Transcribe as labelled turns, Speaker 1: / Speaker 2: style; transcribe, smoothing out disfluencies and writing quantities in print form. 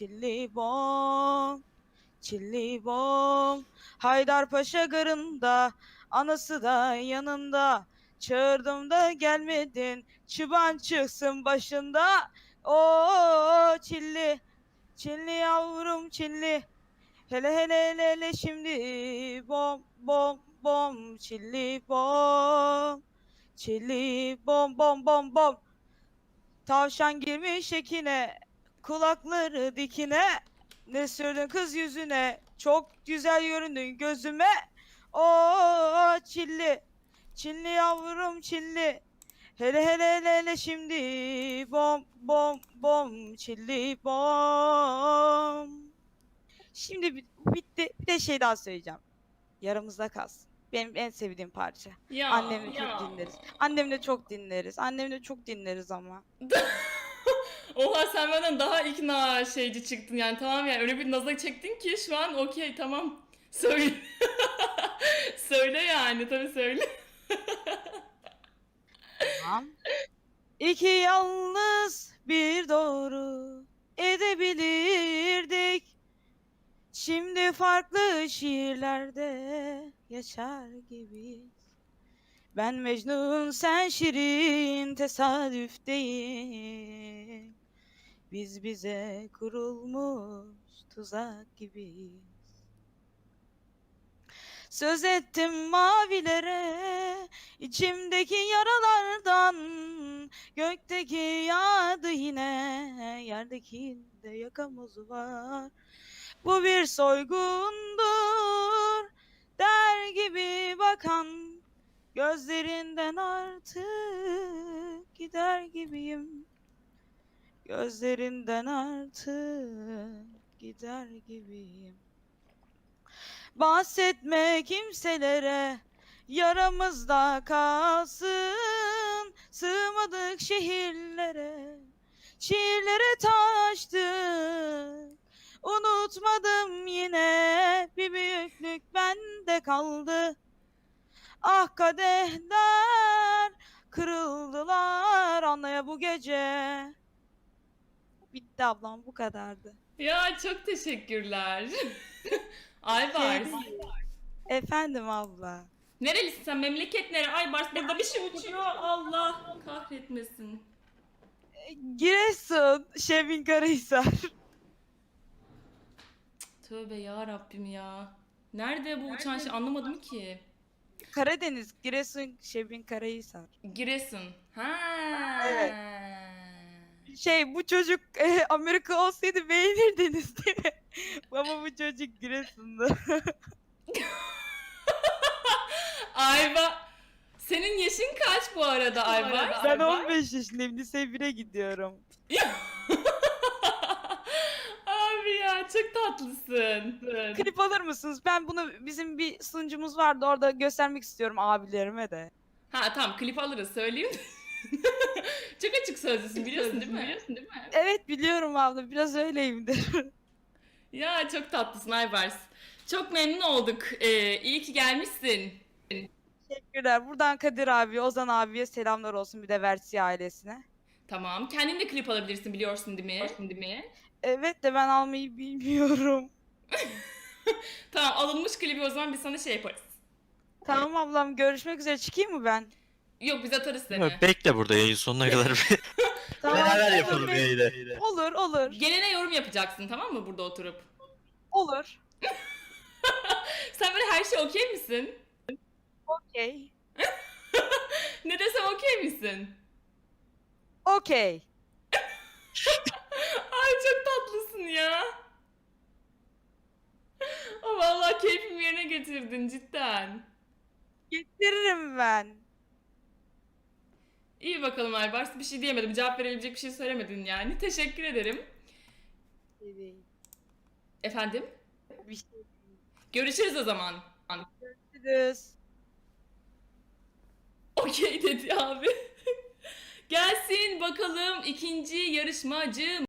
Speaker 1: çilli bom, çilli bom. Haydarpaşa garında, anası da yanında. Çağırdım da gelmedin, çıban çıksın başında. O çilli, çilli yavrum çilli. Hele hele hele hele şimdi bom bom bom çilli bom. Çilli bom bom bom bom. Tavşan girmiş ekine, kulakları dikine. Ne sürdün kız yüzüne, çok güzel göründün gözüme. O çilli, çilli yavrum çilli. Hele hele hele hele şimdi bom bom bom çilli bom. Şimdi bitti. Bir de şey daha söyleyeceğim. Yaramızda kalsın. Benim en sevdiğim parça.
Speaker 2: Ya.
Speaker 1: Annemle çok dinleriz. Annemle çok dinleriz. Annemle çok dinleriz ama.
Speaker 2: Oha, sen benden daha ikna şeyci çıktın yani, tamam yani, öyle bir naza çektin ki şu an okey, tamam. Söyle. Söyle yani, tabii söyle.
Speaker 1: Tamam. İki yalnız bir doğru edebilirdik. Şimdi farklı şiirlerde yaşar gibiyiz. Ben Mecnun, sen Şirin, tesadüf değil. Biz bize kurulmuş tuzak gibiyiz. Söz ettim mavilere, içimdeki yaralardan. Gökteki yağdı yine, yerdekinde yakamoz var. Bu bir soygundur, der gibi bakan. Gözlerinden artık gider gibiyim. Gözlerinden artık gider gibiyim. Bahsetme kimselere, yaramızda kalsın. Sığmadık şehirlere, şiirlere taştık. Unutmadım yine, bir büyüklük bende kaldı. Ah kadehler kırıldılar anlaya bu gece. Bitti ablam, bu kadardı.
Speaker 2: Ya çok teşekkürler.
Speaker 1: Şey
Speaker 2: Aybars.
Speaker 1: değil. Efendim abla.
Speaker 2: Nerelisin sen? Memleket nere? Aybars, burada bir şey uçuyor. Allah kahretmesin.
Speaker 1: Giresun, Şebin Karahisar.
Speaker 2: Tövbe ya Rabbim ya. Nerede bu uçan şey, anlamadım ki.
Speaker 1: Karadeniz, Giresun, Şebin Karahisar.
Speaker 2: Giresun. Ha.
Speaker 1: Evet. Şey, bu çocuk Amerika olsaydı beğenirdiniz değil mi? Ama bu çocuk Giresun'da.
Speaker 2: Ayba. Senin yaşın kaç bu arada Ayba?
Speaker 1: Ben 15 yaşındayım, lise 1'e gidiyorum.
Speaker 2: Abi ya, çok tatlısın.
Speaker 1: Klip alır mısınız? Ben bunu, bizim bir sunucumuz vardı, orada göstermek istiyorum abilerime de.
Speaker 2: Ha tamam, klip alırız, söyleyeyim. Çok açık sözlüsün, biliyorsun değil mi?
Speaker 1: Evet biliyorum abla, biraz öyleyimdir.
Speaker 2: Ya çok tatlısın Aybars. Çok memnun olduk. İyi ki gelmişsin.
Speaker 1: Teşekkürler. Buradan Kadir abi, Ozan abiye selamlar olsun, bir de Versi ailesine.
Speaker 2: Tamam. Kendin de klip alabilirsin, biliyorsun değil mi?
Speaker 1: Evet de ben almayı bilmiyorum.
Speaker 2: Tamam, alınmış klibi o zaman biz sana şey yaparız.
Speaker 1: Tamam ablam, görüşmek üzere, çıkayım mı ben?
Speaker 2: Yok, biz atarız
Speaker 3: Yok,
Speaker 2: seni.
Speaker 3: bekle burada yayın sonuna kadar.
Speaker 1: Tamam.
Speaker 3: Beraber
Speaker 1: olur,
Speaker 3: yapalım yayını.
Speaker 1: Olur olur.
Speaker 2: Gelene yorum yapacaksın, tamam mı, burada oturup?
Speaker 1: Olur.
Speaker 2: Sen böyle her şey okey misin?
Speaker 1: Okey.
Speaker 2: Ne desem okey misin?
Speaker 1: Okey.
Speaker 2: Ay çok tatlısın ya. Ama vallahi keyfimi yerine getirdin cidden.
Speaker 1: Getiririm ben.
Speaker 2: İyi bakalım Aybars, bir şey diyemedim. Cevap verebilecek bir şey söylemedin yani. Teşekkür ederim. Efendim?
Speaker 1: Bir şey
Speaker 2: Görüşürüz o zaman.
Speaker 1: görüşürüz.
Speaker 2: Okey dedi abi. Gelsin bakalım ikinci yarışmacı.